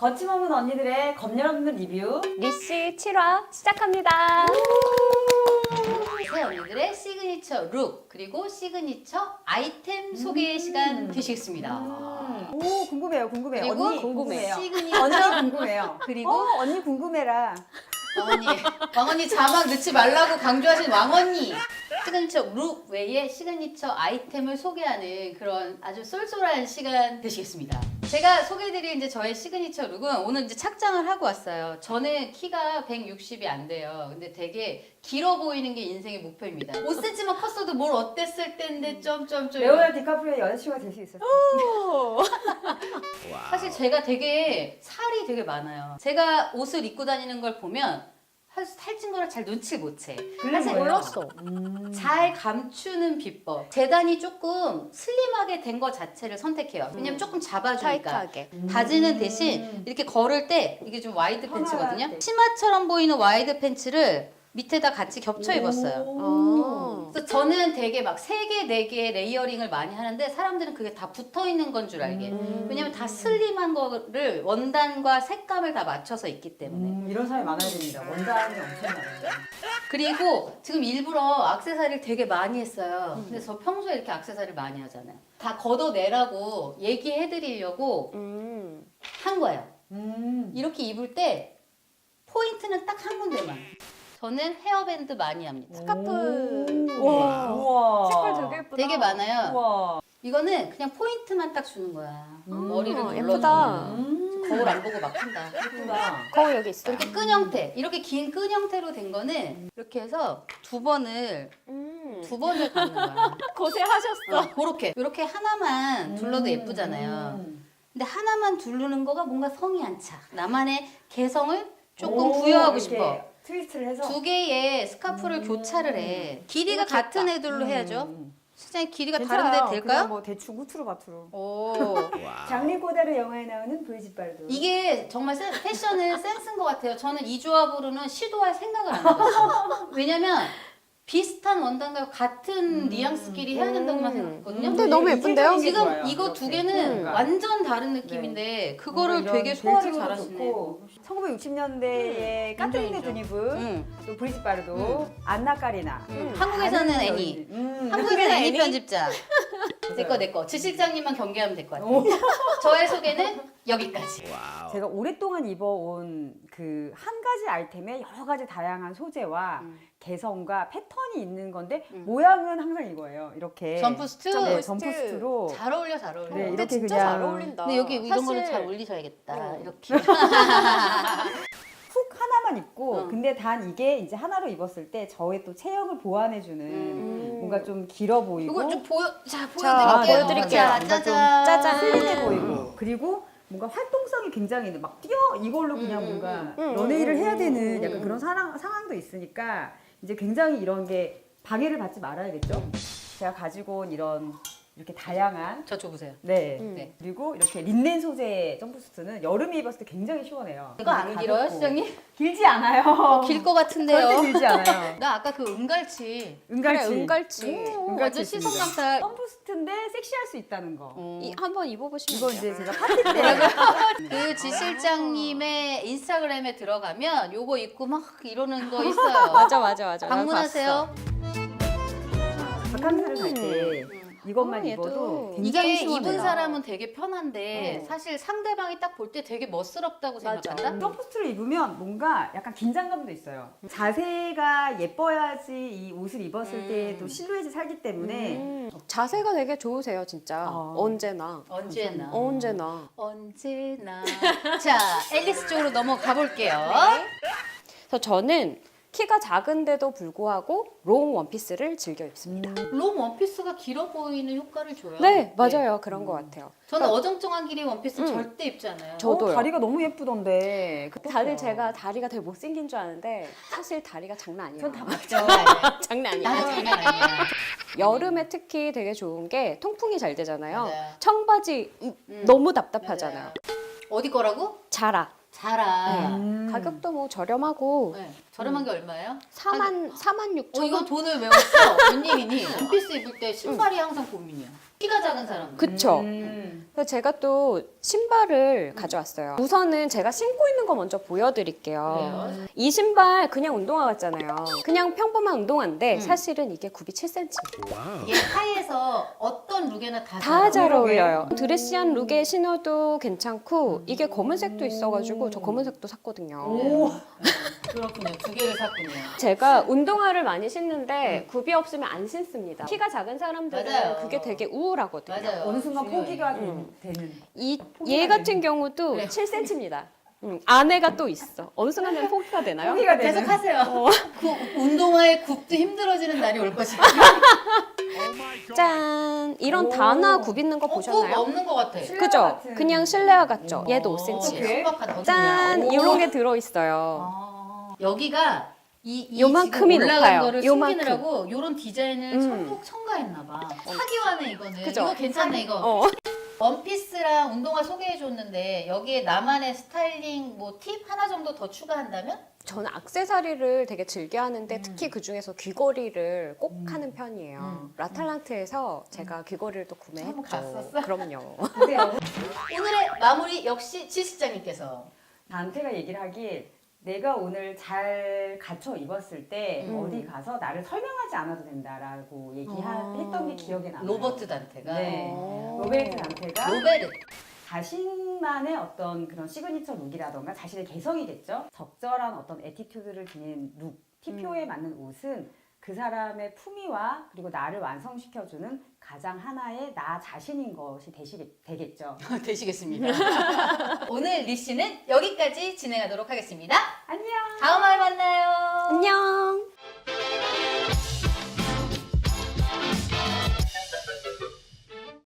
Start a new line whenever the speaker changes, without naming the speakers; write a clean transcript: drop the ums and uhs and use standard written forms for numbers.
거침없는 언니들의 검열 없는 리뷰
리씨 7화 시작합니다.
새 언니들의 시그니처 룩 그리고 시그니처 아이템 소개 시간 되시겠습니다.
오 궁금해요.
그리고
언니 궁금해요.
시그니처
언니 궁금해요.
그리고
언니 궁금해라.
왕언니 자막 넣지 말라고 강조하신 왕언니 시그니처 룩 외에 시그니처 아이템을 소개하는 그런 아주 쏠쏠한 시간 되시겠습니다. 제가 소개해드릴 이제 저의 시그니처 룩은 오늘 이제 착장을 하고 왔어요. 저는 키가 160이 안 돼요. 근데 되게 길어 보이는 게 인생의 목표입니다. 5cm만 컸어도 뭘 어땠을 텐데 점점점.
레오나르도 디카프리오의 여자친구가 될 수 있었어.
사실 제가 되게 살이 되게 많아요. 제가 옷을 입고 다니는 걸 보면 살찐 거를 잘 눈치를 못 채. 사실
몰랐어.
잘 감추는 비법. 재단이 조금 슬림하게 된 거 자체를 선택해요. 왜냐면 조금 잡아주니까.
타이트하게.
바지는 대신 이렇게 걸을 때 이게 좀 와이드 팬츠거든요.
편안하게.
치마처럼 보이는 와이드 팬츠를 밑에다 같이 겹쳐 입었어요.
아.
그래서 저는 되게 막 3개, 4개 레이어링을 많이 하는데 사람들은 그게 다 붙어 있는 건 줄 알게. 왜냐면 다 슬림한 거를 원단과 색감을 다 맞춰서 입기 때문에.
이런 사람이 많아야 됩니다. 원단이 엄청 많아요.
그리고 지금 일부러 액세서리를 되게 많이 했어요. 근데 저 평소에 이렇게 액세서리를 많이 하잖아요. 다 걷어내라고 얘기해드리려고 한 거예요. 이렇게 입을 때 포인트는 딱 한 군데만. 저는 헤어밴드 많이 합니다.
스카프.
우와. 우와.
색깔 되게 예쁘다.
되게 많아요.
우와.
이거는 그냥 포인트만 딱 주는 거야. 머리를 눌러주는
예쁘다.
거울 안 보고 막 한다.
예쁘다.
거울 여기 있어요.
이렇게 끈 형태, 이렇게 긴 끈 형태로 된 거는 이렇게 해서 두 번을 갖는 거야.
고생하셨어.
그렇게 이렇게 하나만 둘러도 예쁘잖아요. 근데 하나만 두르는 거가 뭔가 성이 안 차. 나만의 개성을 조금 부여하고 싶어.
트위스트를 해서.
두 개의 스카프를 교차를 해. 길이가 같은 애들로 해야죠. 실장님 길이가 다른데 될까요?
그냥 뭐 대충 후투로 바투로.
오.
장리 꼬다르 영화에 나오는 브리짓 바르도.
이게 정말 패션은 센스인 것 같아요. 저는 이 조합으로는 시도할 생각을 안 해봤어요. 왜냐면 비슷한 원단과 같은 뉘앙스끼리 해야 된다고만 생각했거든요.
근데 너무 예쁜데요?
지금 이거 두 개는
그러니까.
완전 다른 느낌인데 그거를
뭔가
되게
이런
소화를
벨트도
잘하시네.
좋고, 1960년대의 까트리네
인정.
드니브, 또 브리짓 바르도, 안나 까리나.
한국에서는
많은
애니.
여인.
한국에서는 애니 편집자. 내거. 지 실장님만 경계하면 될 것 같아요. 저의 소개는 여기까지.
제가 오랫동안 입어온 그 한 가지 아이템에 여러 가지 다양한 소재와 개성과 패턴이 있는 건데 모양은 항상 이거예요. 이렇게
점프스트?
네, 점프스트로.
잘 어울려, 잘 어울려.
네,
근데
이렇게
진짜
그냥-
잘 어울린다.
근데 여기 이런 거는
사실
잘 올리셔야겠다. 이렇게.
훅 하나만 입고
어.
근데 단 이게 이제 하나로 입었을 때 저의 또 체형을 보완해주는 뭔가 좀 길어 보이고
이거 좀
자,
보여드릴게요.
보여드릴게요.
자,
뭔가 좀
짜잔.
짜잔.
슬림해 보이고 그리고 뭔가 활동성이 굉장히 있는 막 뛰어 이걸로 그냥 뭔가 연예일을 해야 되는 약간 그런 상황도 있으니까 이제 굉장히 이런 게 방해를 받지 말아야겠죠. 제가 가지고 온 이런 이렇게 다양한
저 줘보세요.
네.
네.
그리고 이렇게 린넨 소재의 점프스트는 여름에 입었을 때 굉장히 시원해요.
이거 안 길어요,
가볍고.
시장님?
길지 않아요.
길 것 같은데요.
절대 길지 않아요.
나 아까 그 은갈치.
은갈치.
그래, 은갈치.
은갈치
완전
있습니다.
시선 강타.
점프스트인데 섹시할 수 있다는 거.
한번 입어보시면
이거
돼요.
이제 제가 파티 때
그 지 실장님의 인스타그램에 들어가면 요거 입고 막 이러는 거 있어요.
맞아.
방문하세요.
바캉스를 갈 때 이것만
얘도
입어도
이게
굉장히 시원해요.
입은 사람은 되게 편한데
어.
사실 상대방이 딱 볼 때 되게 멋스럽다고
맞아.
생각한다.
점프스트를 입으면 뭔가 약간 긴장감도 있어요. 자세가 예뻐야지 이 옷을 입었을 때 또 실루엣이 살기 때문에
자세가 되게 좋으세요, 진짜.
아.
언제나.
언제나.
언제나.
언제나. 자, 앨리스 쪽으로 넘어가 볼게요.
그래서 저는 키가 작은데도 불구하고 롱 원피스를 즐겨 입습니다.
롱 원피스가 길어 보이는 효과를 줘요.
네, 맞아요. 그런 것 같아요.
저는 어정쩡한 길이 원피스 절대 입지 않아요.
저도요.
다리가 너무 예쁘던데.
다들 제가 다리가 되게 못생긴 줄 아는데 사실 다리가 장난 아니에요.
전다 맞죠.
장난 아니에요.
나는 장난 아니야.
여름에 특히 되게 좋은 게 통풍이 잘 되잖아요.
맞아요.
청바지 너무 답답하잖아요.
맞아요. 어디 거라고?
자라.
자라.
가격도 뭐 저렴하고
네. 저렴한 게 얼마예요?
4만 6천
이거
원.
돈을 왜 없어? 웬일이니? 원피스 입을 때 신발이 항상 고민이야. 키가 작은 사람.
그쵸. 그래서 제가 또 신발을 가져왔어요. 우선은 제가 신고 있는 거 먼저 보여드릴게요.
그래요?
이 신발 그냥 운동화 같잖아요. 그냥 평범한 운동화인데 사실은 이게 굽이 7cm.
이게 하이에서 어떤 룩에나 다
다 잘
그러게.
어울려요. 드레시한 룩에 신어도 괜찮고 이게 검은색도 있어가지고 저 검은색도 샀거든요.
오.
그렇군요. 두 개를 샀군요.
제가 운동화를 많이 신는데 굽이 없으면 안 신습니다. 키가 작은 사람들은
맞아요.
그게 되게 우울하거든요.
맞아요.
어느 순간
중요해요.
포기가 되는.
얘 같은 경우도
그래요.
7cm입니다. 안에가 또 있어. 어느 순간은 포기가 되나요?
포기가 되는.
계속 하세요. 그 운동화의 굽도 힘들어지는 날이 올 것이다.
짠! 이런
오.
단화 굽 있는 거
굽
보셨나요?
없는 것 같아.
실내화
그죠?
같은.
그냥 실내화 같죠? 얘도 5cm.
어떡해?
신박하다.
짠!
오.
이런 게 들어있어요.
여기가 이
요만큼이
지금 올라간
높아요.
거를
요만큼.
숨기느라고 요런 디자인을 첨가했나봐. 사기화네 이거는.
그죠?
이거 괜찮네 이거.
어.
원피스랑 운동화 소개해줬는데 여기에 나만의 스타일링 뭐 팁 하나 정도 더 추가한다면?
저는 액세서리를 되게 즐겨 하는데 특히 그 중에서 귀걸이를 꼭 하는 편이에요. 라탈란트에서 제가 귀걸이를 또
한번
구매했죠.
갔었어?
그럼요.
보세요.
오늘의 마무리 역시 지 실장님께서.
단테가 얘기를 하길 내가 오늘 잘 갖춰 입었을 때 어디 가서 나를 설명하지 않아도 된다라고 얘기했던 게 기억에 남아요.
로버트 단테가.
네.
어.
로베르트 단테가
로베르.
자신만의 어떤 그런 시그니처 룩이라던가 자신의 개성이겠죠. 적절한 어떤 애티튜드를 지닌 룩, TPO에 맞는 옷은 그 사람의 품위와 그리고 나를 완성시켜주는 가장 하나의 나 자신인 것이 되겠죠.
되시겠습니다. 오늘 리씨는 여기까지 진행하도록 하겠습니다.
안녕.
다음 화에 만나요.
안녕!